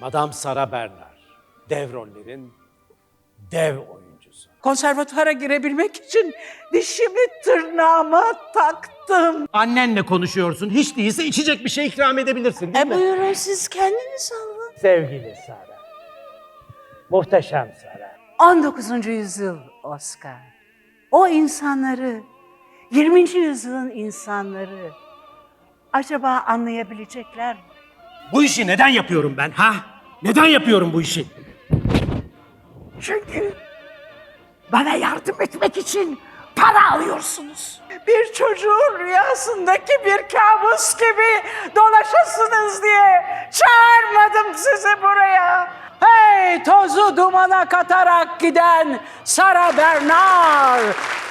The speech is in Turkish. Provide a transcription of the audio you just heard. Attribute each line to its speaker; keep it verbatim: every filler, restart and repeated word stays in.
Speaker 1: Madame Sarah Bernard, dev rollerin dev oyuncusu.
Speaker 2: Konservatuvara girebilmek için dişimi tırnağıma taktım.
Speaker 1: Annenle konuşuyorsun, hiç değilse içecek bir şey ikram edebilirsin değil
Speaker 2: E
Speaker 1: mi?
Speaker 2: buyurun siz kendiniz alın.
Speaker 1: Sevgili Sarah, muhteşem Sarah.
Speaker 2: on dokuzuncu yüzyıl Oscar. O insanları, yirminci yüzyılın insanları acaba anlayabilecekler mi?
Speaker 1: Bu işi neden yapıyorum ben ha? Neden yapıyorum bu işi?
Speaker 2: Çünkü bana yardım etmek için para alıyorsunuz. Bir çocuğun rüyasındaki bir kabus gibi dolaşasınız diye çağırmadım sizi buraya. Hey tozu dumana katarak giden Sarah Bernard!